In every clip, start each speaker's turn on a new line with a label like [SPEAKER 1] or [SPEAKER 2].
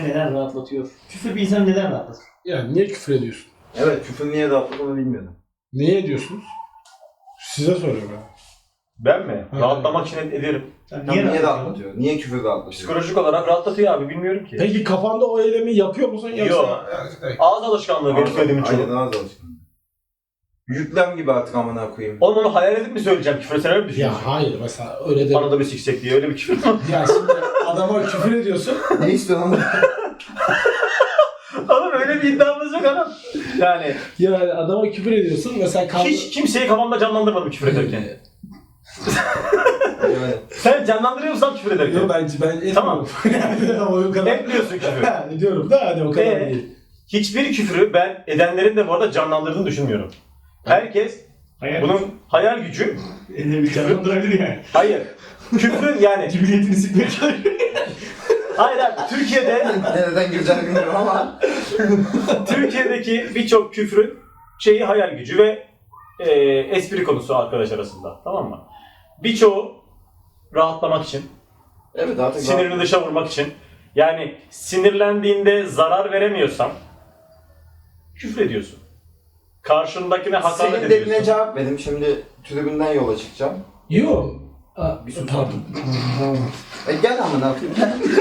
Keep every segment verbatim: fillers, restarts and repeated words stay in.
[SPEAKER 1] neden rahatlatıyor? Küfür bir insanı neden rahatlatır?
[SPEAKER 2] Yani niye küfür ediyorsun?
[SPEAKER 3] Evet, küfür niye rahatladığını bilmiyordum.
[SPEAKER 2] Niye ediyorsunuz? Size soruyorum ben.
[SPEAKER 4] Ben mi?
[SPEAKER 2] Ha,
[SPEAKER 4] Rahatlamak için ed- ederim.
[SPEAKER 1] Sen
[SPEAKER 3] Niye, niye
[SPEAKER 1] rahatlatıyor?
[SPEAKER 3] rahatlatıyor? Niye küfür rahatlatıyor?
[SPEAKER 4] Psikolojik olarak rahatlatıyor abi, bilmiyorum ki.
[SPEAKER 2] Peki kafanda o eylemi yapıyor musun yoksa?
[SPEAKER 4] Yok. Ağız alışkanlığı benim söylediğimin çoğu.
[SPEAKER 3] Aynen, ağız alışkanlığı. Yüklem gibi artık amına koyayım.
[SPEAKER 4] Oğlum onu hayal edip mi söyleyeceğim? Küfür etsene mi
[SPEAKER 2] Ya
[SPEAKER 4] düşünüyorsun?
[SPEAKER 2] hayır mesela öyle de.
[SPEAKER 4] Bana da bir siksek diye öyle bir küfür.
[SPEAKER 2] Ya şimdi adama küfür ediyorsun.
[SPEAKER 3] Ne istiyorsun lan?
[SPEAKER 4] Oğlum öyle bir iddiamız yok adam. Yani
[SPEAKER 2] Yani adama küfür ediyorsun mesela kavga...
[SPEAKER 4] hiç kimseyi kafamda canlandırmadım küfür ederken.
[SPEAKER 3] Evet.
[SPEAKER 4] Sen canlandırıyor musun küfür ederken?
[SPEAKER 2] Yok ben ben etmiyorum.
[SPEAKER 4] Tamam.
[SPEAKER 2] Yani ama o kadar.
[SPEAKER 4] Etmiyorsun küfür.
[SPEAKER 2] Ha, ediyorum da hani o kadar
[SPEAKER 4] Ee?
[SPEAKER 2] değil.
[SPEAKER 4] Hiçbir küfürü ben edenlerin de bu arada canlandırdığını düşünmüyorum. Herkes
[SPEAKER 1] Hayal.
[SPEAKER 4] bunun hayal gücü,
[SPEAKER 1] Eline bir canlandırabilir yani.
[SPEAKER 4] hayır. Küfrün yani,
[SPEAKER 1] Cibiliyetini sikmeye çalışıyor.
[SPEAKER 4] hayır abi Türkiye'de,
[SPEAKER 3] Nereden gireceğini bilmiyorum ama.
[SPEAKER 4] Türkiye'deki birçok küfrün şeyi hayal gücü ve e, espri konusu arkadaş arasında, tamam mı? Birçoğu rahatlamak için,
[SPEAKER 3] Evet artık
[SPEAKER 4] sinirini dışa vurmak için. Yani sinirlendiğinde zarar veremiyorsan küfür ediyorsun. Karşındakine hakaret
[SPEAKER 3] Senin
[SPEAKER 4] ediyorsun.
[SPEAKER 3] dediğine cevap verdim. Şimdi tribünden yola çıkacağım.
[SPEAKER 2] Yok. Aa,
[SPEAKER 3] Bir sus.
[SPEAKER 2] pardon.
[SPEAKER 3] E gel amına koyayım.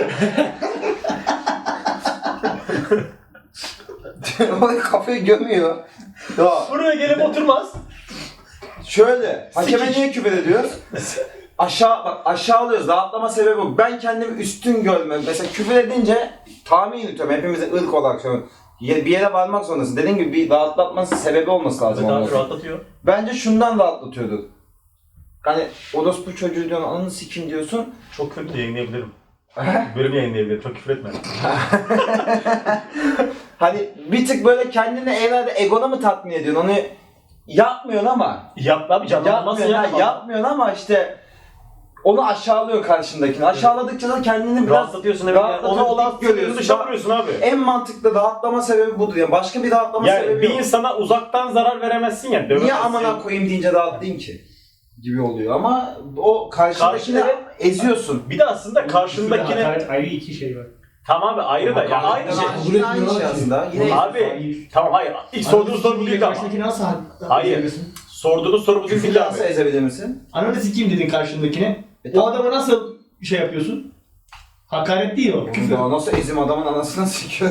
[SPEAKER 3] Oraya kafayı gömüyor. Ya
[SPEAKER 4] Buraya gelip oturmaz.
[SPEAKER 3] şöyle, hakeme
[SPEAKER 4] Sikiş.
[SPEAKER 3] niye küfür ediyoruz? Aşağı bak, aşağılıyoruz. Rahatlama sebebi bu. Ben kendimi üstün görmem. Mesela küfür edince tahmin yürütüyorum. Hepimize ırk olarak söylüyorum. Bir yere varmak zorundasın. Dediğim gibi bir rahatlatması sebebi olması lazım.
[SPEAKER 4] Evet abi
[SPEAKER 3] olması.
[SPEAKER 4] rahatlatıyor.
[SPEAKER 3] Bence şundan rahatlatıyordur. Hani orospu çocuğu diyorsun, ananı sikim diyorsun.
[SPEAKER 4] Çok kötü yayınlayabilirim. Bölüm yayınlayabilirim. Çok küfür etme.
[SPEAKER 3] Hani bir tık böyle kendini evlerde egona mı tatmin ediyorsun? Onu yapmıyorsun ama.
[SPEAKER 4] Yap abi canlanmasın
[SPEAKER 3] Yapmıyorsun, ha,
[SPEAKER 4] ya.
[SPEAKER 3] yapmıyorsun ama işte onu aşağılıyor karşındakini. Aşağıladıkça da kendini biraz
[SPEAKER 4] Rahatlatıyorsun evet. Yani.
[SPEAKER 3] rahatlatıyor,
[SPEAKER 4] Onu olan
[SPEAKER 3] dik görüyorsun.
[SPEAKER 4] görüyorsun. Dışa vuruyorsun abi.
[SPEAKER 3] En mantıklı rahatlama sebebi budur. Yani başka bir rahatlama
[SPEAKER 4] Yani
[SPEAKER 3] sebebi
[SPEAKER 4] bir
[SPEAKER 3] yok.
[SPEAKER 4] insana uzaktan zarar veremezsin ya. Dövemezsin.
[SPEAKER 3] Niye amına koyayım deyince rahatlayayım ki? Gibi oluyor ama o karşındakini
[SPEAKER 4] Karşı-
[SPEAKER 3] eziyorsun.
[SPEAKER 4] Bir de aslında
[SPEAKER 1] Küfürle
[SPEAKER 4] karşındakine...
[SPEAKER 1] hakaret ayrı iki şey var.
[SPEAKER 4] Tamam abi ayrı da. Ya aynı şey.
[SPEAKER 2] Kabul
[SPEAKER 3] Yine aynı
[SPEAKER 2] etmiyorlar
[SPEAKER 3] şey
[SPEAKER 2] ki.
[SPEAKER 3] aslında. Yine
[SPEAKER 4] Abi
[SPEAKER 1] Hayır.
[SPEAKER 4] tamam hayır. İlk sorduğunuz soru bu değil ama.
[SPEAKER 1] Karşındakini nasıl
[SPEAKER 4] Hayır.
[SPEAKER 1] edebilirsin?
[SPEAKER 4] Sorduğunuz soru bu değil
[SPEAKER 3] küfürle
[SPEAKER 4] abi.
[SPEAKER 3] nasıl ezebilir misin?
[SPEAKER 1] Ananı sikeyim dedin karşındakine.
[SPEAKER 3] E,
[SPEAKER 1] O
[SPEAKER 3] tamam.
[SPEAKER 1] adama nasıl şey yapıyorsun? Hakaret değil o. Küfür.
[SPEAKER 3] Ya nasıl ezim adamın anasını sikiyor?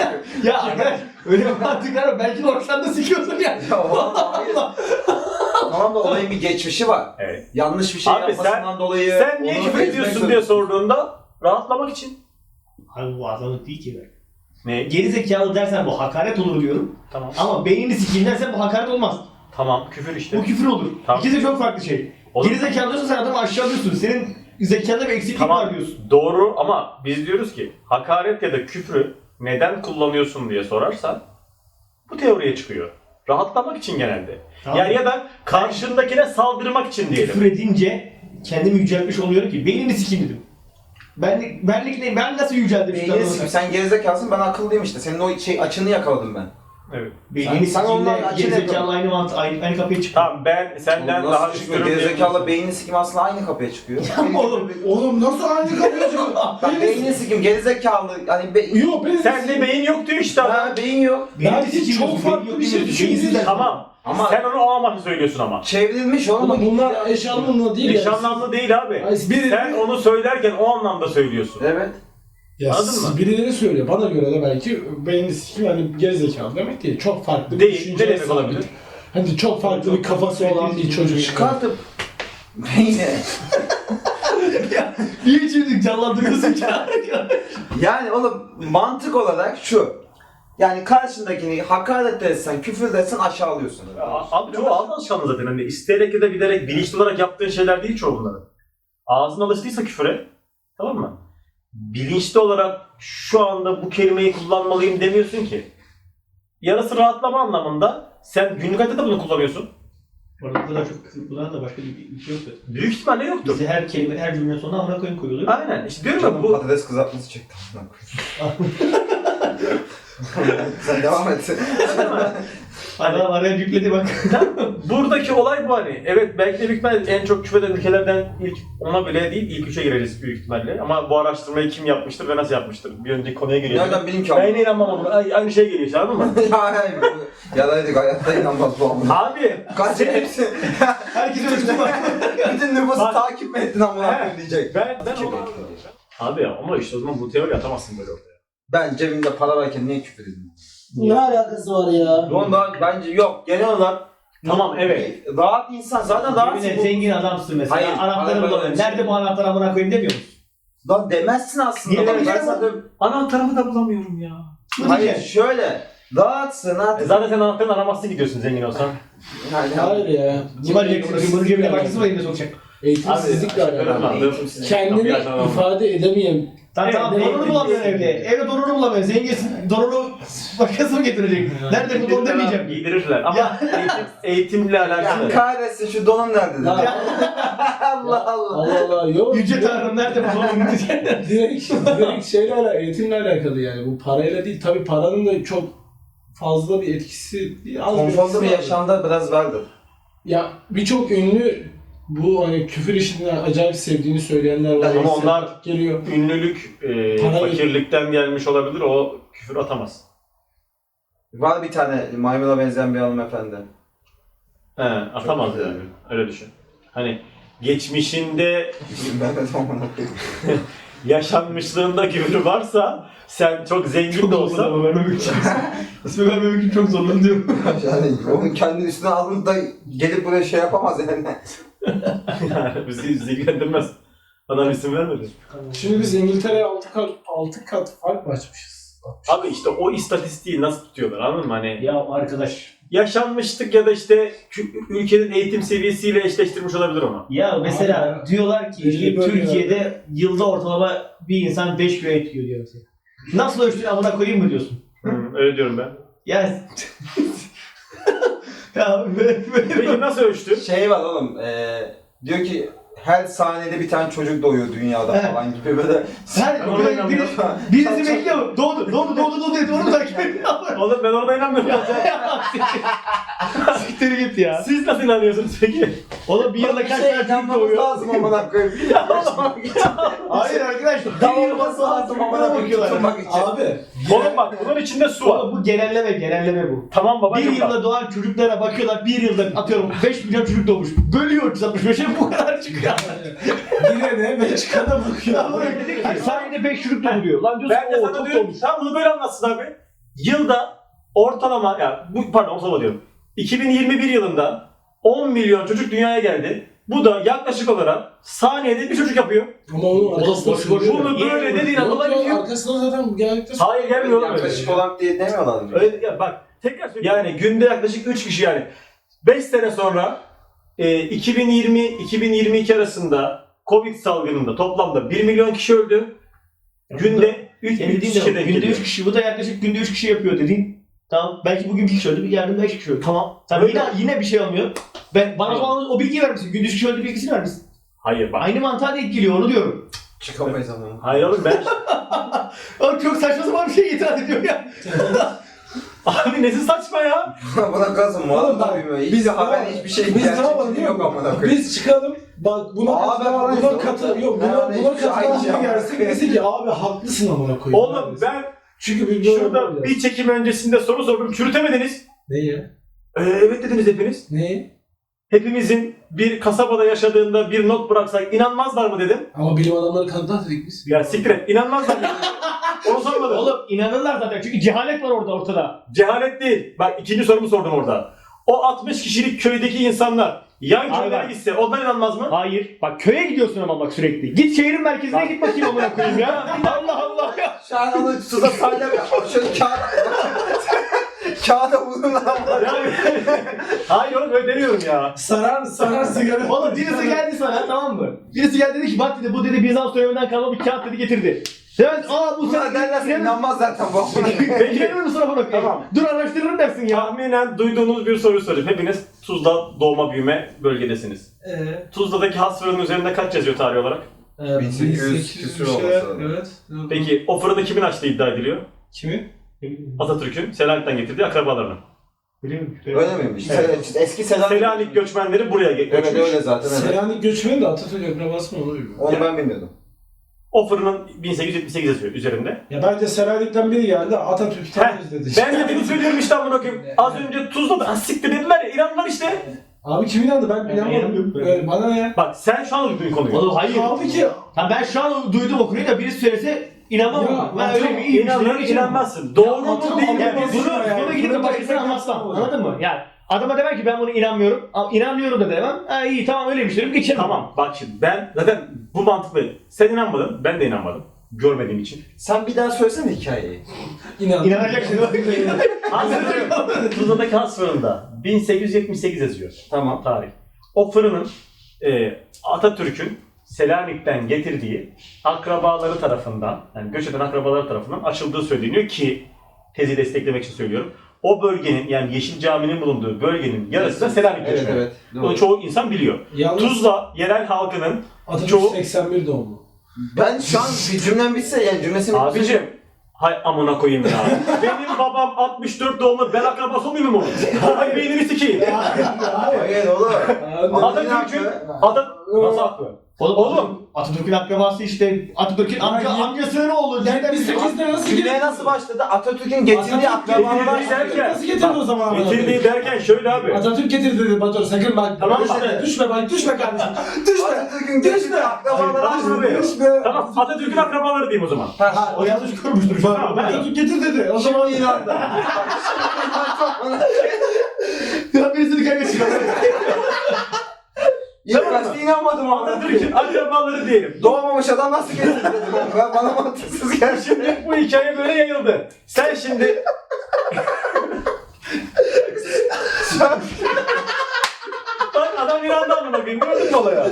[SPEAKER 1] Ya arkadaş öyle bir mantık var. Belki de ortadan da sikiyorsun ya.
[SPEAKER 3] Ya vallahi hayır. Tamam da olayın bir geçmişi var.
[SPEAKER 4] Evet.
[SPEAKER 3] Yanlış bir şey
[SPEAKER 4] Abi
[SPEAKER 3] yapmasından
[SPEAKER 4] sen-
[SPEAKER 3] dolayı...
[SPEAKER 4] Sen niye
[SPEAKER 3] onu
[SPEAKER 4] küfür
[SPEAKER 3] ezmek
[SPEAKER 4] ediyorsun
[SPEAKER 3] zorunda-
[SPEAKER 4] diye sorduğunda rahatlamak için.
[SPEAKER 1] Abi bu azamlık değil ki.
[SPEAKER 4] Ne?
[SPEAKER 1] Geri zekalı dersen bu hakaret olur diyorum.
[SPEAKER 4] Tamam.
[SPEAKER 1] Ama beynini sikeyim dersen bu hakaret olmaz.
[SPEAKER 4] Tamam küfür işte.
[SPEAKER 1] Bu küfür olur.
[SPEAKER 4] Tamam.
[SPEAKER 1] İkisi de çok farklı şey.
[SPEAKER 4] Olur.
[SPEAKER 1] Geri zekalı diyorsun sen adamı aşağılıyorsun. Senin zekanda bir eksiklik
[SPEAKER 4] Tamam
[SPEAKER 1] var diyorsun.
[SPEAKER 4] doğru ama biz diyoruz ki hakaret ya da küfrü neden kullanıyorsun diye sorarsan bu teoriye çıkıyor. Rahatlamak için genelde.
[SPEAKER 1] Tamam.
[SPEAKER 4] Yani ya da karşındakine saldırmak için diyelim.
[SPEAKER 1] Küfür edince kendimi yüceltmiş oluyorum ki beynini sikeyim dedim. Benlik, benlik ne? Ben nasıl yüceldim? şu
[SPEAKER 3] Beynini
[SPEAKER 1] anda?
[SPEAKER 3] sikim. Sen gerizekalısın, ben akıllıyım işte. Senin o şey açını yakaladım ben.
[SPEAKER 4] Evet.
[SPEAKER 1] Beynini
[SPEAKER 3] Sen- sen
[SPEAKER 1] sikeyim
[SPEAKER 3] ondan
[SPEAKER 1] de
[SPEAKER 3] acele
[SPEAKER 1] geri zekalı
[SPEAKER 3] yapalım.
[SPEAKER 1] aynı, mantı, aynı, aynı kapıya çıktı.
[SPEAKER 4] Tamam ben senden
[SPEAKER 3] Oğlum
[SPEAKER 4] daha
[SPEAKER 3] nasıl çıkıyor?
[SPEAKER 4] üstünüm
[SPEAKER 3] Gerizekalı
[SPEAKER 4] diyebilirsin.
[SPEAKER 3] beynini sikim aslında aynı kapıya çıkıyor.
[SPEAKER 1] Oğlum,
[SPEAKER 2] Oğlum nasıl aynı kapıya çıkıyor?
[SPEAKER 3] Bak beynini sikim, gerizekalı. Hani be...
[SPEAKER 2] Yok benim.
[SPEAKER 4] Sende beyin yok diyor işte adam.
[SPEAKER 3] Ha, beyin yok.
[SPEAKER 1] beynini
[SPEAKER 2] Belki
[SPEAKER 1] sikeyim
[SPEAKER 2] çok
[SPEAKER 1] diyorsun,
[SPEAKER 2] farklı
[SPEAKER 1] beyin yok
[SPEAKER 2] bir şey
[SPEAKER 1] diyorsun,
[SPEAKER 2] düşündün.
[SPEAKER 1] beyinsizler.
[SPEAKER 4] Tamam.
[SPEAKER 3] Ama-
[SPEAKER 4] Sen onu o amaçla söylüyorsun ama.
[SPEAKER 3] Çevrilmiş oğlum.
[SPEAKER 2] Oğlum bunlar eş anlamlı değil
[SPEAKER 4] Eş
[SPEAKER 2] ya.
[SPEAKER 4] anlamlı değil abi.
[SPEAKER 2] Ay, biri-
[SPEAKER 4] Sen onu söylerken o anlamda söylüyorsun.
[SPEAKER 3] Evet.
[SPEAKER 2] Ya
[SPEAKER 4] Anladın
[SPEAKER 2] siz
[SPEAKER 4] mı?
[SPEAKER 2] birileri söylüyor. Bana göre de belki beynini sikim hani gerizekalı demek değil. Çok farklı bir
[SPEAKER 4] Değil.
[SPEAKER 2] düşünceye
[SPEAKER 4] Ne demek
[SPEAKER 2] sahip.
[SPEAKER 4] olabilir?
[SPEAKER 2] Hani çok farklı bir kafası olan bir çocuk.
[SPEAKER 3] Çıkartıp beyni.
[SPEAKER 1] Niye şimdi canlandırıyorsun ki?
[SPEAKER 3] Yani oğlum mantık olarak şu. Yani karşındakini hakaret etsen, küfür etsen aşağılıyorsun.
[SPEAKER 4] A- Abi çoğu ağzın alışkanlığı zaten. Hani isteyerek ya da bilerek bilinçli olarak yaptığın şeyler değil çoğu bunların. Ağzın alıştıysa küfüre, tamam mı? Bilinçli olarak şu anda bu kelimeyi kullanmalıyım demiyorsun ki. Yarısı rahatlama anlamında sen günlük hayatta da bunu kullanıyorsun.
[SPEAKER 1] Bu arada bu kadar çok küfür kullanan da başka bir bir şey yok zaten.
[SPEAKER 4] Büyük ihtimalle yoktur.
[SPEAKER 1] Bize her kelime, her cümlenin sonuna amına koyun koyuluyor.
[SPEAKER 4] Aynen. İşte diyorum ya
[SPEAKER 3] Canım
[SPEAKER 4] bu
[SPEAKER 3] patates kızartması çekti. Sen devam et.
[SPEAKER 1] Adam araya yükledi bak.
[SPEAKER 4] Buradaki olay bu hani. Evet belki de büyük ihtimalle en çok küfreden ülkelerden ilk ona bile değil ilk üçe gireriz büyük ihtimalle. Ama bu araştırmayı kim yapmıştır ve nasıl yapmıştır? Bir önceki konuya geliyor.
[SPEAKER 3] Nereden bileyim ki
[SPEAKER 4] Ben
[SPEAKER 3] ama?
[SPEAKER 4] yine inanmam ama Ay- aynı şey geliyor işte anladın mı?
[SPEAKER 3] Hayır bu yalaydık hayatta inanmaz bu amına.
[SPEAKER 4] Abi
[SPEAKER 3] Kaç
[SPEAKER 4] senin-
[SPEAKER 3] hepsi.
[SPEAKER 1] Herkes ölçtü bak.
[SPEAKER 3] Bütün nüfusu
[SPEAKER 4] Bak-
[SPEAKER 3] takip mi ettin amına
[SPEAKER 4] He.
[SPEAKER 3] koyayım diyecek.
[SPEAKER 4] ben ben onu... Abi ya ama işte o zaman bu teori atamazsın böyle ortaya.
[SPEAKER 3] Ben cebimde para varken niye küfür edeyim?
[SPEAKER 5] Ne alakası var ya?
[SPEAKER 3] Ondan bence yok. Genel olarak
[SPEAKER 4] Tamam evet.
[SPEAKER 3] bir rahat insan zaten rahat.
[SPEAKER 1] Yemin et, zengin adamsın mesela.
[SPEAKER 3] Hayır,
[SPEAKER 1] Anahtarı
[SPEAKER 3] araba-
[SPEAKER 1] bulamıyorsun. Nerede bu anahtarı amına koyayım demiyor musun?
[SPEAKER 3] Lan demezsin aslında.
[SPEAKER 1] Niye
[SPEAKER 3] Bak,
[SPEAKER 1] demeyeceğim
[SPEAKER 3] ben sana-
[SPEAKER 4] Anahtarımı da bulamıyorum ya.
[SPEAKER 1] Bu
[SPEAKER 3] Hayır
[SPEAKER 1] diyeceksin.
[SPEAKER 3] şöyle. Rahatsın
[SPEAKER 4] E
[SPEAKER 3] artık.
[SPEAKER 4] zaten sen anahtarını aramazsın gidiyorsun zengin olsan.
[SPEAKER 3] Yani,
[SPEAKER 5] Hayır ya.
[SPEAKER 1] Kim arayacak? Bunun cebine başkası mı elinde sokacak?
[SPEAKER 5] Eğitimsizlikle
[SPEAKER 4] Abi,
[SPEAKER 5] alakalı.
[SPEAKER 3] eğitimsizlik.
[SPEAKER 5] Kendini ifade edemeyen.
[SPEAKER 1] Tamam
[SPEAKER 5] Evet,
[SPEAKER 1] tamam
[SPEAKER 5] ne-
[SPEAKER 1] donunu bulamıyorsun evde. Evde donunu bulamıyorsun. Zenginsin. Donunu başkası mı getirecek? Nerede bu don demeyeceğim.
[SPEAKER 4] Giydirirler ama eğitim, eğitimle
[SPEAKER 3] Ya
[SPEAKER 4] alakalı.
[SPEAKER 3] kahretsin şu donum nerede dedi.
[SPEAKER 5] Ya,
[SPEAKER 3] Allah Allah.
[SPEAKER 5] Allah Allah yok.
[SPEAKER 1] Yüce Tanrım nerede bu donun diyeceksin.
[SPEAKER 5] direkt, direkt şeyle alakalı, eğitimle alakalı yani. Bu parayla değil. Tabii paranın da çok fazla bir etkisi değil. Az
[SPEAKER 3] Konforlu
[SPEAKER 5] etkisi
[SPEAKER 3] bir
[SPEAKER 5] var.
[SPEAKER 3] yaşamda biraz vardır.
[SPEAKER 5] Ya birçok ünlü bu hani küfür işini acayip sevdiğini söyleyenler var.
[SPEAKER 4] Ama onlar-
[SPEAKER 5] geliyor.
[SPEAKER 4] Ünlülük e,
[SPEAKER 5] Para-
[SPEAKER 4] fakirlikten gelmiş olabilir. O küfür atamaz.
[SPEAKER 3] Var bir tane maymuna benzeyen bir hanımefendi.
[SPEAKER 4] He, atamaz
[SPEAKER 3] güzel.
[SPEAKER 4] yani. Öyle düşün. Hani geçmişinde
[SPEAKER 3] İsim vermedim amına koyayım.
[SPEAKER 4] yaşanmışlığında küfür varsa sen çok zengin de olsan
[SPEAKER 1] vermemek için. İsmi vermemek için çok zorlanıyorum.
[SPEAKER 3] Yani onun kendi üstüne alın da gelip buraya şey yapamaz yani.
[SPEAKER 4] yani bizi ilgilendirmez. Adam isim vermedi.
[SPEAKER 5] Şimdi biz İngiltere'ye altı kat, altı kat fark mı açmışız?
[SPEAKER 4] Abi işte o istatistiği nasıl tutuyorlar anladın mı? Hani
[SPEAKER 1] Ya arkadaş.
[SPEAKER 4] yaşanmışlık ya da işte kü- ülkenin eğitim seviyesiyle eşleştirmiş olabilir ama.
[SPEAKER 1] Ya mesela
[SPEAKER 5] Abi,
[SPEAKER 1] diyorlar ki
[SPEAKER 5] belli
[SPEAKER 1] işte
[SPEAKER 5] böyle
[SPEAKER 1] Türkiye'de yılda ortalama bir insan beş kilo et yiyor diyor mesela. Nasıl ölçtün amına koyayım mı diyorsun?
[SPEAKER 4] Hı, öyle diyorum ben.
[SPEAKER 1] Ya ya böyle böyle
[SPEAKER 4] Peki nasıl ölçtü?
[SPEAKER 3] Şey var oğlum, eee diyor ki her saniyede bir tane çocuk doğuyor dünyada
[SPEAKER 1] Evet.
[SPEAKER 3] falan gibi böyle.
[SPEAKER 1] Her
[SPEAKER 4] Ona
[SPEAKER 1] böyle
[SPEAKER 4] inanmıyorum.
[SPEAKER 1] biri, birisi bekliyor. Doğdu, doğdu, doğdu, doğdu diye onu takip ediyor.
[SPEAKER 4] Oğlum ben ona inanmıyorum.
[SPEAKER 1] Siktir git ya.
[SPEAKER 4] Siz nasıl inanıyorsunuz peki?
[SPEAKER 1] Oğlum bir yılda kaç tane çocuk
[SPEAKER 3] inanmamız
[SPEAKER 1] doğuyor?
[SPEAKER 3] lazım amına koyayım.
[SPEAKER 1] Hayır arkadaş. Bir
[SPEAKER 3] Davulması
[SPEAKER 1] yılda
[SPEAKER 3] lazım amına koyayım tutulmak için.
[SPEAKER 5] Abi.
[SPEAKER 4] Oğlum bak bunun içinde su var.
[SPEAKER 1] Oğlum bu genelleme, genelleme bu.
[SPEAKER 4] Tamam
[SPEAKER 1] Bir
[SPEAKER 4] babacım bak.
[SPEAKER 1] yılda doğan çocuklara bakıyorlar, bir yılda atıyorum beş milyon çocuk doğmuş. Bölüyor üç yüz altmış beşe bu kadar çıkıyor.
[SPEAKER 5] Yine de Belçika'da bakıyor.
[SPEAKER 1] Hayır, saniyede beş çocuk doğuruyor. Lan diyorsun
[SPEAKER 4] Ben de
[SPEAKER 1] o
[SPEAKER 4] sana
[SPEAKER 1] çok
[SPEAKER 4] diyorum
[SPEAKER 1] doğmuş.
[SPEAKER 4] ki sen bunu böyle anlatsın abi. Yılda ortalama ya bu pardon ortalama diyorum. iki bin yirmi bir yılında on milyon çocuk dünyaya geldi. Bu da yaklaşık olarak saniyede bir çocuk yapıyor.
[SPEAKER 5] Ama onun arkasında
[SPEAKER 1] boş boş
[SPEAKER 5] söylüyor.
[SPEAKER 4] Bunu böyle dediğin
[SPEAKER 5] Yok
[SPEAKER 4] anda
[SPEAKER 5] ya,
[SPEAKER 4] bitiyor.
[SPEAKER 5] arkasında zaten genellikle
[SPEAKER 4] Hayır gelmiyor oğlum öyle.
[SPEAKER 3] Yaklaşık olarak diye demiyorlar mı?
[SPEAKER 4] Öyle ya bak tekrar söyleyeyim. Yani günde yaklaşık üç kişi yani beş sene sonra e, iki bin yirmi iki bin yirmi iki arasında Covid salgınında toplamda bir milyon kişi öldü. Günde üç
[SPEAKER 1] Senin dediğin
[SPEAKER 4] kişi
[SPEAKER 1] de
[SPEAKER 4] denk
[SPEAKER 1] günde
[SPEAKER 4] geliyor.
[SPEAKER 1] üç kişi, bu da yaklaşık günde üç kişi yapıyor dediğin. Tamam, belki bugün bir kişi öldü, yarın beş kişi öldü.
[SPEAKER 4] Tamam.
[SPEAKER 1] Tamam,
[SPEAKER 4] Öyle.
[SPEAKER 1] yine, yine bir şey olmuyor. Ben, bana o
[SPEAKER 4] Tamam.
[SPEAKER 1] zaman o bilgiyi vermişsin, günde üç kişi öldü bilgisini vermişsin.
[SPEAKER 4] Hayır bak.
[SPEAKER 1] Aynı mantığa denk geliyor, onu diyorum.
[SPEAKER 3] Çıkamayız ama.
[SPEAKER 4] Hayır oğlum ben
[SPEAKER 1] Oğlum çok saçma sapan bir şey itiraz ediyor ya.
[SPEAKER 4] abi nesi saçma ya?
[SPEAKER 3] Buna kazın mu?
[SPEAKER 5] Oğlum bak,
[SPEAKER 3] Abi mi?
[SPEAKER 5] biz-
[SPEAKER 3] Hiç haber hiçbir şey
[SPEAKER 5] Biz ne yapalım
[SPEAKER 3] gerçekçi
[SPEAKER 5] biliyor
[SPEAKER 3] yok
[SPEAKER 5] musun?
[SPEAKER 3] amına koyayım.
[SPEAKER 5] Biz çıkalım. Bak buna
[SPEAKER 3] Abi
[SPEAKER 5] katılan,
[SPEAKER 3] ben
[SPEAKER 5] buna
[SPEAKER 3] onu
[SPEAKER 5] katı
[SPEAKER 3] istiyorum.
[SPEAKER 5] yok
[SPEAKER 3] Ben
[SPEAKER 5] buna
[SPEAKER 3] onu
[SPEAKER 5] buna
[SPEAKER 3] hiçbir şey
[SPEAKER 5] katılan
[SPEAKER 3] aynı şey
[SPEAKER 5] biri gelsin
[SPEAKER 3] yapmam.
[SPEAKER 5] desin ki abi haklısın amına koyayım.
[SPEAKER 4] Oğlum ben
[SPEAKER 5] çünkü bir böyle
[SPEAKER 4] şurada
[SPEAKER 5] böyle-
[SPEAKER 4] bir çekim öncesinde soru sordum. Çürütemediniz.
[SPEAKER 5] Ne ya?
[SPEAKER 4] Ee, evet dediniz hepiniz.
[SPEAKER 5] Ne?
[SPEAKER 4] Hepimizin bir kasabada yaşadığında bir not bıraksak inanmazlar mı dedim.
[SPEAKER 5] Ama bilim adamları kanıtlar dedik biz.
[SPEAKER 4] Ya siktir et. İnanmazlar mı? Onu sormadım.
[SPEAKER 1] Oğlum inanırlar zaten çünkü cehalet var orada ortada.
[SPEAKER 4] Cehalet değil. Bak ikinci sorumu sordum orada. O altmış kişilik köydeki insanlar yan
[SPEAKER 1] Abi
[SPEAKER 4] köylere
[SPEAKER 1] bak.
[SPEAKER 4] gitse onlar inanmaz mı?
[SPEAKER 1] Hayır. Bak köye gidiyorsun ama bak sürekli. Git şehrin merkezine
[SPEAKER 4] Bak.
[SPEAKER 1] git bakayım amına koyayım ya. Allah Allah ya.
[SPEAKER 3] Şu an onu suda salya şöyle kağıda kağıda vurun lan.
[SPEAKER 4] Hayır oğlum öyle demiyorum ya.
[SPEAKER 5] Sarar sarar sigara.
[SPEAKER 1] Oğlum birisi geldi sana tamam mı? Birisi geldi dedi ki bak dedi bu dedi Bizans döneminden kalma bir kağıt dedi getirdi. Sen aa bu
[SPEAKER 3] Buna derlerse inanmaz zaten bu amına koyayım.
[SPEAKER 1] Peki gelir misin amına koyayım?
[SPEAKER 4] Tamam.
[SPEAKER 1] Dur araştırırım dersin ya.
[SPEAKER 4] Tahminen duyduğunuz bir soru sorayım. Hepiniz Tuzla doğma büyüme bölgedesiniz.
[SPEAKER 5] Eee?
[SPEAKER 4] Tuzla'daki has fırının üzerinde kaç yazıyor tarih olarak?
[SPEAKER 3] bin sekiz yüz küsur olması lazım.
[SPEAKER 5] Evet.
[SPEAKER 4] Peki o fırını kimin açtığı iddia ediliyor?
[SPEAKER 5] Kimi?
[SPEAKER 4] Atatürk'ün Selanik'ten getirdiği akrabalarının.
[SPEAKER 1] Biliyorum.
[SPEAKER 3] Öyle miymiş?
[SPEAKER 4] Evet.
[SPEAKER 3] Se- Eski Selanik.
[SPEAKER 4] Selanik göçmenleri buraya ge-
[SPEAKER 3] Evet
[SPEAKER 4] göçmüş.
[SPEAKER 3] öyle zaten. Evet.
[SPEAKER 5] Selanik göçmeni de Atatürk akrabası mı oluyor?
[SPEAKER 3] Onu ben bilmiyordum.
[SPEAKER 4] O fırının bin sekiz yüz yetmiş sekiz yazıyor üzerinde.
[SPEAKER 5] Ya bence Selanik'ten biri geldi Atatürk'ü tam
[SPEAKER 4] Heh,
[SPEAKER 5] özledi.
[SPEAKER 4] Ben de bunu söylüyorum işte amına koyayım. Az önce Tuzla'da "Ha, siktir dediler ya, İranlılar işte.
[SPEAKER 5] Abi kim inandı? Ben
[SPEAKER 1] Ben
[SPEAKER 5] inanmadım.
[SPEAKER 1] inanmıyorum.
[SPEAKER 5] Ee, bana ne ya?
[SPEAKER 4] Bak sen şu an duydun konuyu.
[SPEAKER 1] Oğlum hayır.
[SPEAKER 5] Kaldı ki
[SPEAKER 1] Ha ben şu an duydum o konuyu da birisi söylese inanmam.
[SPEAKER 5] Ya,
[SPEAKER 1] ben
[SPEAKER 5] ben
[SPEAKER 1] öyle
[SPEAKER 5] çok
[SPEAKER 1] mi? İyi
[SPEAKER 4] İnanır inanmazsın. Doğru mu
[SPEAKER 5] atam-
[SPEAKER 4] değil mi?
[SPEAKER 1] Yani
[SPEAKER 5] Olmaz
[SPEAKER 1] bunu,
[SPEAKER 5] ya,
[SPEAKER 1] bunu
[SPEAKER 5] yani.
[SPEAKER 1] gidip de
[SPEAKER 5] Bunu
[SPEAKER 1] başkasına
[SPEAKER 5] da-
[SPEAKER 1] anlatsam. Anladın mı? Yani adama demem ki ben bunu inanmıyorum. Ama inanmıyorum da demem. Ha iyi tamam öyleymiş derim geçerim.
[SPEAKER 4] Tamam bak şimdi ben zaten bu mantıklı. Sen inanmadın, ben de inanmadım. Görmediğim için.
[SPEAKER 3] Sen bir daha söylesene hikayeyi.
[SPEAKER 5] inan.
[SPEAKER 1] İnanacak şimdi.
[SPEAKER 4] Has fırın, Tuzla'daki has fırında bin sekiz yüz yetmiş sekiz yazıyor.
[SPEAKER 3] Tamam.
[SPEAKER 4] Tarih. O fırının e, Atatürk'ün Selanik'ten getirdiği akrabaları tarafından, yani göç eden akrabaları tarafından açıldığı söyleniyor ki tezi desteklemek için söylüyorum. O bölgenin yani Yeşil Cami'nin bulunduğu bölgenin yarısı da Selanik
[SPEAKER 3] Evet
[SPEAKER 4] göçmeni.
[SPEAKER 3] evet.
[SPEAKER 4] Bunu
[SPEAKER 3] Doğru.
[SPEAKER 4] çoğu insan biliyor.
[SPEAKER 5] Yalnız
[SPEAKER 4] Tuzla yerel halkının
[SPEAKER 5] Atatürk
[SPEAKER 4] çoğu-
[SPEAKER 5] seksen bir doğumlu.
[SPEAKER 3] Ben şu an bir cümlem bitse yani cümlesini
[SPEAKER 4] abicim hay amına koyayım ya. Benim babam altmış dört doğumlu, ben akrabası olmayayım mı onun? Hay beynini sikeyim.
[SPEAKER 3] Hayır oğlum. Ama
[SPEAKER 4] Atatürk'ün
[SPEAKER 3] yine
[SPEAKER 4] Atat nasıl haklı?
[SPEAKER 1] Oğlum,
[SPEAKER 4] Oğlum.
[SPEAKER 1] Atatürk'ün akrabası işte Atatürk'ün amca,
[SPEAKER 5] Ay,
[SPEAKER 1] amcasının oğlu. Nereden
[SPEAKER 5] yetmiş sekizde nasıl
[SPEAKER 3] Cümleye
[SPEAKER 5] gidiyor?
[SPEAKER 3] nasıl başladı? Atatürk'ün getirdiği
[SPEAKER 5] Atatürk
[SPEAKER 3] akrabalara
[SPEAKER 5] getirdiği-
[SPEAKER 4] derken,
[SPEAKER 5] Nasıl getirdi o zaman?
[SPEAKER 4] Getirdiği derken şöyle abi.
[SPEAKER 5] Atatürk getirdi dedi Batur sakın bak.
[SPEAKER 4] Tamam
[SPEAKER 5] düşme,
[SPEAKER 4] işte.
[SPEAKER 5] düşme bak düşme kardeşim. Düşme.
[SPEAKER 3] Atatürk'ün getirdiği akrabalara
[SPEAKER 4] Hayır,
[SPEAKER 3] açılıyor.
[SPEAKER 5] Düşme.
[SPEAKER 4] Tamam Atatürk'ün akrabaları diyeyim o zaman.
[SPEAKER 5] Ha,
[SPEAKER 1] O yanlış kurmuştur.
[SPEAKER 4] Tamam, ben-
[SPEAKER 5] Atatürk getir dedi. O zaman inandı.
[SPEAKER 1] Ya birisini kaybetsin.
[SPEAKER 3] İlk başta inanmadım ama.
[SPEAKER 4] Atatürk'ün akrabaları diyelim.
[SPEAKER 3] Doğmamış adam nasıl getirdi dedim. Ben bana mantıksız geldi.
[SPEAKER 4] Şimdi bu hikaye böyle yayıldı. Sen şimdi bak adam inandı amına koyayım. Gördün mü olaya?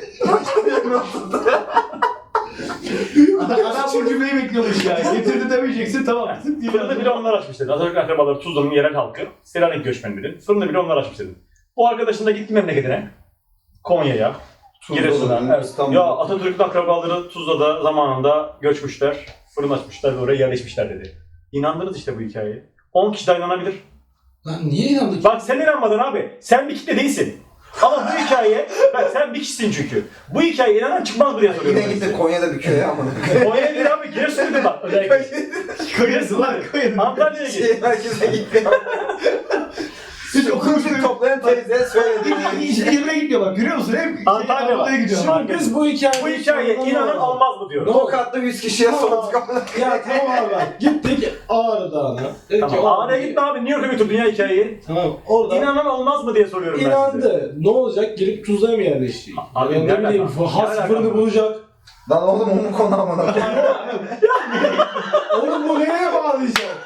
[SPEAKER 1] Adam, adam bu cümleyi bekliyormuş ya. Getirdi demeyeceksin tamam.
[SPEAKER 4] Fırında bile onlar açmış dedi. Atatürk akrabaları Tuzla'nın yerel halkı. Selanik göçmenleri. Fırında bile onlar açmış dedi. O arkadaşın da gitti memleketine. Konya'ya. Giresun'a. Evet.
[SPEAKER 3] İstanbul'da.
[SPEAKER 4] Ya Atatürk'ün akrabaları Tuzla'da zamanında göçmüşler. Fırın açmışlar ve oraya yerleşmişler dedi. İnandınız işte bu hikayeye. on kişi de inanabilir.
[SPEAKER 5] Lan niye inandık?
[SPEAKER 4] Bak sen inanmadın abi. Sen bir kitle değilsin. Ama bu hikaye, bak sen bir kişisin çünkü. Bu hikayeye inanan çıkmaz mı diye soruyorum.
[SPEAKER 3] Yine
[SPEAKER 4] ben
[SPEAKER 3] gitti
[SPEAKER 4] size.
[SPEAKER 3] Konya'da bir köye ama.
[SPEAKER 4] Konya'ya değil abi, Giresun'a gidin bak. Özellikle.
[SPEAKER 1] Koyarız lan koyarız.
[SPEAKER 4] Antalya'ya git.
[SPEAKER 3] Şey herkese gitti.
[SPEAKER 1] Hiç okumuştuk.
[SPEAKER 3] Toplayan teyze söyledi.
[SPEAKER 1] Hiç yerine gidiyor bak görüyor musun? Hep
[SPEAKER 4] Antalya var.
[SPEAKER 1] Antalya'ya gidiyor.
[SPEAKER 5] Şimdi biz bu hikayeyi...
[SPEAKER 4] Bu hikayeye inanan olmaz mı diyorum.
[SPEAKER 3] Tokatlı yüz kişiye sorduk.
[SPEAKER 5] Ya tamam abi bak. Gittik Ağrı Dağı'na. Dedik ki,
[SPEAKER 4] Tamam.
[SPEAKER 5] Ağrı-
[SPEAKER 4] Ağrı'ya gitme abi. Niye York'a götürdün ya hikayeyi?
[SPEAKER 5] Tamam orada
[SPEAKER 4] İnanan olmaz mı diye soruyorum ben size.
[SPEAKER 5] inandı. Ne olacak? Gelip Tuzla'ya mı yerleşecek?
[SPEAKER 4] Abi,
[SPEAKER 5] Ya
[SPEAKER 4] ne
[SPEAKER 5] ne bileyim
[SPEAKER 4] alaka? Ne
[SPEAKER 5] has
[SPEAKER 4] alaka?
[SPEAKER 5] fırını bulacak.
[SPEAKER 3] Lan oğlum onun konu amına.
[SPEAKER 5] Oğlum bu neye bağlayacak?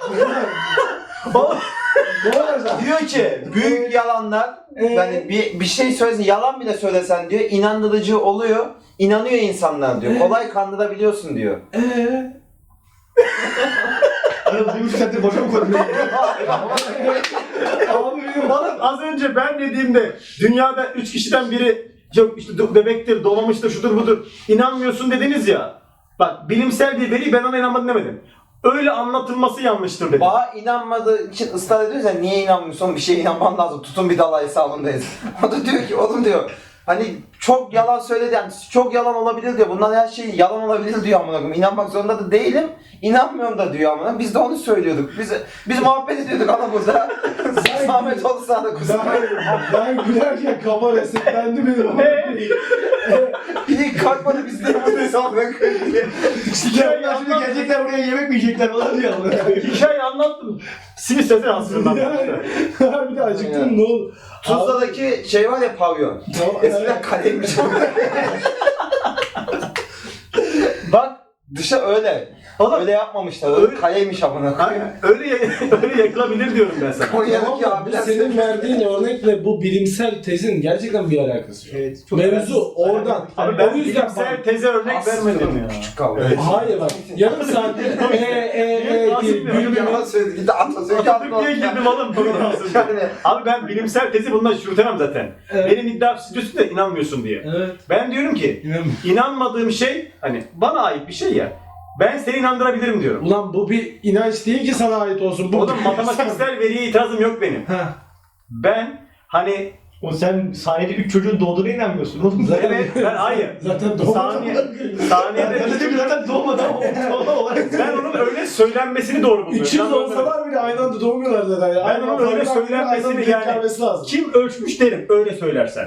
[SPEAKER 5] Ne olacak?
[SPEAKER 3] Diyor ki büyük yalanlar
[SPEAKER 5] Ee?
[SPEAKER 3] yani bir, bir şey söylesen yalan bile söylesen diyor inandırıcı oluyor. İnanıyor insanlar diyor.
[SPEAKER 5] Ee?
[SPEAKER 3] Kolay kandırabiliyorsun diyor.
[SPEAKER 5] Eee?
[SPEAKER 1] Arada bir buçuk saattir boşa mı koydun?
[SPEAKER 5] Abi benim
[SPEAKER 4] Oğlum az önce ben dediğimde dünyada üç kişiden biri yok işte do- bebektir, doğmamıştır, şudur budur. İnanmıyorsun dediniz ya. Bak bilimsel bir veri ben ona inanmadım demedim. Öyle anlatılması yanlıştır dedim.
[SPEAKER 3] Bağa inanmadığı için ısrar ediyoruz ya niye inanmıyorsun bir şeye inanman lazım. Tutun bir dal hesabındayız. O da diyor ki oğlum diyor hani çok yalan söyledi yani çok yalan olabilir diyor. Bunlar her şey yalan olabilir diyor amına koyayım. İnanmak zorunda da değilim. İnanmıyorum da diyor amına. Biz de onu söylüyorduk. Biz biz muhabbet ediyorduk ama burada. Zahmet olsa da kusura
[SPEAKER 5] ben, ben gülerken kafa resetlendi benim.
[SPEAKER 3] Bir kalkmadı biz de buradayız amına koyayım diye.
[SPEAKER 1] Ya şimdi gelecekler buraya yemek mi yiyecekler falan diyor.
[SPEAKER 4] Hikaye anlattım. Sinir sesi aslında.
[SPEAKER 5] Yani bir de acıktım ne oldu?
[SPEAKER 3] Tuzla'daki şey var ya pavyon.
[SPEAKER 5] Tamam,
[SPEAKER 3] Eskiden kaleymiş ama. Bak dışa öyle.
[SPEAKER 4] Oğlum,
[SPEAKER 3] Öyle yapmamışlar. Öyle kaleymiş amına koyayım.
[SPEAKER 4] öyle öyle yakılabilir diyorum ben sana.
[SPEAKER 3] Konya'daki
[SPEAKER 5] Tamam da bu
[SPEAKER 3] abiler
[SPEAKER 5] senin verdiğin örnekle bu bilimsel tezin gerçekten bir alakası yok.
[SPEAKER 1] Evet.
[SPEAKER 5] Mevzu oradan.
[SPEAKER 4] Abi ben
[SPEAKER 5] o yüzden
[SPEAKER 4] bilimsel
[SPEAKER 5] bak-
[SPEAKER 4] teze örnek vermedim ya.
[SPEAKER 3] Küçük kavga.
[SPEAKER 4] Evet.
[SPEAKER 5] Hayır bak yarım saatte e e e
[SPEAKER 4] Nasıl
[SPEAKER 5] diye
[SPEAKER 4] bir-
[SPEAKER 5] gülmeme.
[SPEAKER 3] Yalan söyledi gitti Atatürk
[SPEAKER 4] Atatürk diye girdim oğlum.
[SPEAKER 3] Yani
[SPEAKER 4] Abi ben bilimsel tezi bundan çürütemem zaten.
[SPEAKER 5] Evet.
[SPEAKER 4] Benim iddia stüdyosu da inanmıyorsun diye.
[SPEAKER 5] Evet.
[SPEAKER 4] Ben diyorum ki
[SPEAKER 5] İnanmıyorum.
[SPEAKER 4] inanmadığım şey hani bana ait bir şey ya. Ben seni inandırabilirim diyorum.
[SPEAKER 5] Ulan bu bir inanç değil ki sana ait olsun. Bu
[SPEAKER 4] Oğlum matematiksel veriye itirazım yok benim.
[SPEAKER 5] Ha.
[SPEAKER 4] Ben hani
[SPEAKER 1] O sen saniyede üç çocuğun doğduğuna inanmıyorsun oğlum.
[SPEAKER 5] Zaten-
[SPEAKER 4] evet ben hayır.
[SPEAKER 5] Zaten doğmadan
[SPEAKER 4] Saniye,
[SPEAKER 5] bırakıyor.
[SPEAKER 4] saniyede
[SPEAKER 1] Ben de zaten doğmadan ortalama olarak.
[SPEAKER 4] ben onun öyle söylenmesini doğru buluyorum.
[SPEAKER 5] üç yüz
[SPEAKER 4] Ben onu-
[SPEAKER 5] olsalar bile aynı anda doğmuyorlar zaten. Yani.
[SPEAKER 4] Ben
[SPEAKER 5] Aynı
[SPEAKER 4] onun
[SPEAKER 5] anda
[SPEAKER 4] öyle
[SPEAKER 5] aynı anda
[SPEAKER 4] söylenmesini
[SPEAKER 5] denk
[SPEAKER 4] yani-
[SPEAKER 5] gelmesi lazım.
[SPEAKER 4] Kim ölçmüş derim öyle söylersen.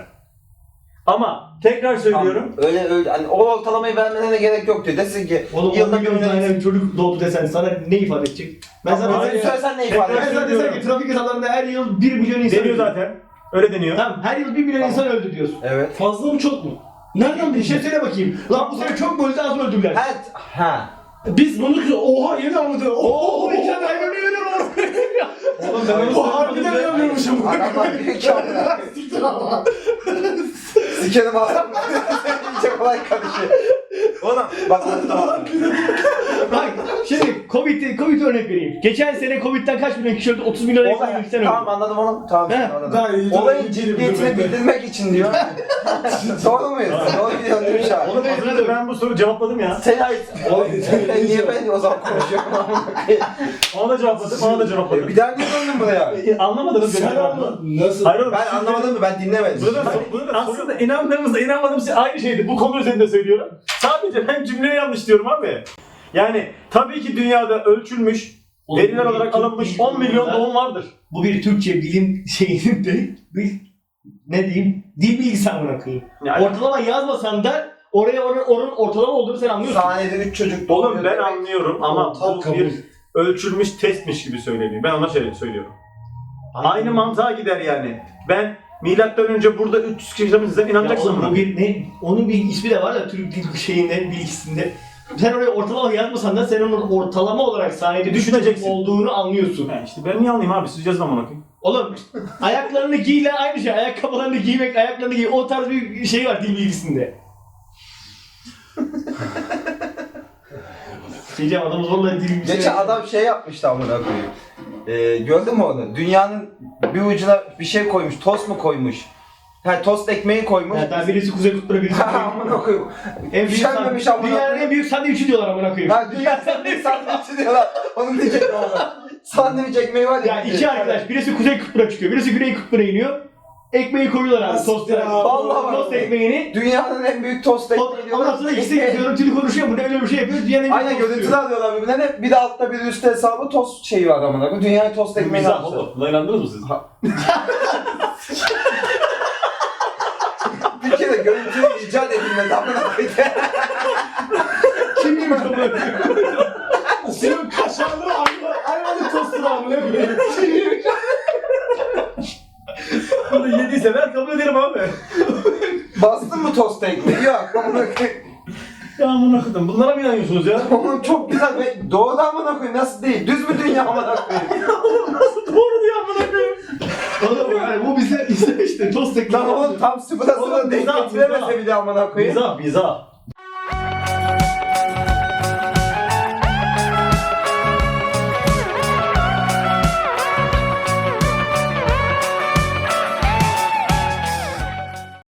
[SPEAKER 4] Ama tekrar söylüyorum.
[SPEAKER 3] Tamam, öyle öyle hani o ortalamayı vermene de gerek yok diyor. Desin ki
[SPEAKER 1] Oğlum on
[SPEAKER 3] yılda bir
[SPEAKER 1] milyon
[SPEAKER 3] milyon
[SPEAKER 1] tane çocuk doğdu desen sana ne ifade edecek? Ben
[SPEAKER 3] Ben
[SPEAKER 1] sana
[SPEAKER 3] sana
[SPEAKER 1] ben
[SPEAKER 3] söylesen ne ifade
[SPEAKER 4] Tekrar
[SPEAKER 1] sana
[SPEAKER 3] eder?
[SPEAKER 1] desem ki trafik kazalarında her yıl bir milyon insan
[SPEAKER 4] Deniyor
[SPEAKER 1] öldü.
[SPEAKER 4] zaten. Öyle deniyor.
[SPEAKER 1] Tamam her yıl bir milyon
[SPEAKER 3] Tamam.
[SPEAKER 1] insan öldü diyorsun.
[SPEAKER 3] Evet.
[SPEAKER 5] Fazla mı çok mu? Nereden
[SPEAKER 1] Bir şey
[SPEAKER 5] bileceksin?
[SPEAKER 1] söyle bakayım. Lan bu sene çok mu öldü az mı öldüler?
[SPEAKER 3] Evet. Ha.
[SPEAKER 5] Biz bunu oha yeni anladık.
[SPEAKER 1] Oo
[SPEAKER 5] Oha
[SPEAKER 1] iki tane ayrı ölüyorum oğlum.
[SPEAKER 4] Oğlum ben onu
[SPEAKER 5] Bu harbiden inanmıyormuşum.
[SPEAKER 3] Adamlar büyük kamera.
[SPEAKER 5] Siktir ama.
[SPEAKER 3] Sikerim adam. İyice kolay karışıyor. Oğlum bak
[SPEAKER 1] Bak şimdi Covid, Covid örnek vereyim. Geçen sene Covid'den kaç milyon kişi öldü? otuz milyon
[SPEAKER 3] olay.
[SPEAKER 1] insan öldü.
[SPEAKER 3] Tamam anladım onu. Tamam
[SPEAKER 1] He,
[SPEAKER 3] anladım.
[SPEAKER 5] daha iyi, daha
[SPEAKER 3] Olayın
[SPEAKER 5] iyi
[SPEAKER 3] ciddiyetini
[SPEAKER 5] biliyorum ben de.
[SPEAKER 3] bildirmek için diyor. Doğru muyuz? Doğru gidiyorsun değil mi şu an?
[SPEAKER 4] Oğlum az önce ben bu soruyu cevapladım ya.
[SPEAKER 3] Sen ait. Oğlum niye ben o zaman konuşuyorum?
[SPEAKER 4] Ona da cevapladım, ona da cevapladım.
[SPEAKER 3] Bir daha niye döndün buraya?
[SPEAKER 4] E, Anlamadınız benim
[SPEAKER 5] Sen
[SPEAKER 4] cevabımı.
[SPEAKER 5] anladın. Nasıl?
[SPEAKER 4] Hayır oğlum.
[SPEAKER 3] Ben
[SPEAKER 4] siz
[SPEAKER 3] anlamadım mı? Ben dinlemedim.
[SPEAKER 4] Burada da, burada da aslında inandığımızda inanmadığımız şey aynı şeydi. Bu konu üzerinde söylüyorum. Sadece ben cümleyi yanlış diyorum abi. Yani tabii ki dünyada ölçülmüş,
[SPEAKER 1] Oğlum,
[SPEAKER 4] veriler
[SPEAKER 1] bu
[SPEAKER 4] olarak
[SPEAKER 1] bir
[SPEAKER 4] alınmış
[SPEAKER 1] Türk
[SPEAKER 4] on milyon
[SPEAKER 1] bilimi
[SPEAKER 4] doğum vardır.
[SPEAKER 1] Bu bir Türkçe bilim şeyinin de bir ne diyeyim dil bilgisi amına koyayım.
[SPEAKER 4] Yani,
[SPEAKER 1] Ortalama yazmasan da oraya oranın, oranın ortalama olduğunu sen anlıyorsun.
[SPEAKER 3] Saniyede üç çocuk
[SPEAKER 4] oğlum
[SPEAKER 3] doğuyor
[SPEAKER 4] ben
[SPEAKER 3] demek.
[SPEAKER 4] anlıyorum ama
[SPEAKER 5] Ortak
[SPEAKER 4] bu
[SPEAKER 5] kabul.
[SPEAKER 4] bir ölçülmüş testmiş gibi söyleniyor. Ben ona şey söylüyorum. Aynı mantığa gider yani. Ben milattan önce burada üç yüz kişi yaşamışsam
[SPEAKER 1] Ya
[SPEAKER 4] inanacaksın
[SPEAKER 1] oğlum,
[SPEAKER 4] buna.
[SPEAKER 1] bu bir ne? Onun bir ismi de var ya Türk dil şeyinde bilgisinde. Sen oraya ortalama yazmasan da sen onun ortalama olarak saniyede
[SPEAKER 4] Düşüneceksin.
[SPEAKER 1] olduğunu anlıyorsun.
[SPEAKER 4] Ha işte ben niye anlayayım abi? Siz yazın amına koyayım.
[SPEAKER 1] Oğlum ayaklarını giyle aynı şey. Ayakkabılarını giymek, ayaklarını giy. O tarz bir şey var dil bilgisinde. Diyeceğim adamı zorla dil bilgisine...
[SPEAKER 3] Geçen adam şey yapmıştı amına koyayım. Ee, gördün mü onu? Dünyanın bir ucuna bir şey koymuş, tost mu koymuş? Ha tost ekmeği koymuş.
[SPEAKER 1] Yani daha birisi Kuzey Kutbu'na birisi Kuzey
[SPEAKER 3] Ha amına
[SPEAKER 1] Kutbu'na.
[SPEAKER 3] koyayım.
[SPEAKER 1] En büyük
[SPEAKER 3] Üşenmemiş
[SPEAKER 1] san-
[SPEAKER 3] amına
[SPEAKER 1] Dünyanın
[SPEAKER 3] koyayım.
[SPEAKER 1] en büyük sandviçi diyorlar amına koyayım.
[SPEAKER 3] Ha dünya sandviç sandviçi diyorlar. Onun diyecektim ama. Sandviç ekmeği var ya.
[SPEAKER 1] Ya iki arkadaş, birisi Kuzey Kutbu'na çıkıyor, birisi Güney Kutbu'na iniyor. Ekmeği koyuyorlar abi
[SPEAKER 5] Nasıl
[SPEAKER 1] tosta.
[SPEAKER 5] ya?
[SPEAKER 3] Vallahi bak.
[SPEAKER 1] Tost ekmeğini.
[SPEAKER 3] Dünyanın en büyük tost ekmeği diyorlar.
[SPEAKER 1] Ondan sonra ikisi
[SPEAKER 3] Ekmeği-
[SPEAKER 1] görüntülü konuşuyor, bu ne öyle bir şey yapıyor, dünyanın en büyük
[SPEAKER 3] Aynen
[SPEAKER 1] tostu
[SPEAKER 3] görüntüler
[SPEAKER 1] diyor.
[SPEAKER 3] alıyorlar birbirlerine. Bir de altta bir de üstte hesabı tost şeyi var amına koyayım. Dünyaya tost
[SPEAKER 4] Bu
[SPEAKER 3] ekmeği
[SPEAKER 4] mizah
[SPEAKER 3] yapmışlar.
[SPEAKER 4] oğlum. Buna inandınız mı siz?
[SPEAKER 3] Bir kere görüntü icat edilmedi amına koyayım.
[SPEAKER 1] Kim yemiş o böyle?
[SPEAKER 5] Senin kaşarlı ayva, ayvalı tostunu amına koyayım.
[SPEAKER 4] Bunu yediyse ben kabul ederim abi.
[SPEAKER 3] Bastın mı tost ekmeği? Yok amına koyayım.
[SPEAKER 4] Ya amına koydum. Bunlara mı inanıyorsunuz ya?
[SPEAKER 3] Oğlum çok güzel ve doğru amına koyayım nasıl değil? Düz mü dünya amına koyayım?
[SPEAKER 4] Doğru diyor amına koyayım.
[SPEAKER 1] Oğlum yani bu bize işte işte tost ekmeği.
[SPEAKER 3] Lan oğlum tam sıfıra
[SPEAKER 4] Oğlum,
[SPEAKER 3] sıfıra denk
[SPEAKER 4] mizah,
[SPEAKER 3] getiremese
[SPEAKER 4] mizah.
[SPEAKER 3] bir de amına koyayım.
[SPEAKER 4] Mizah, mizah.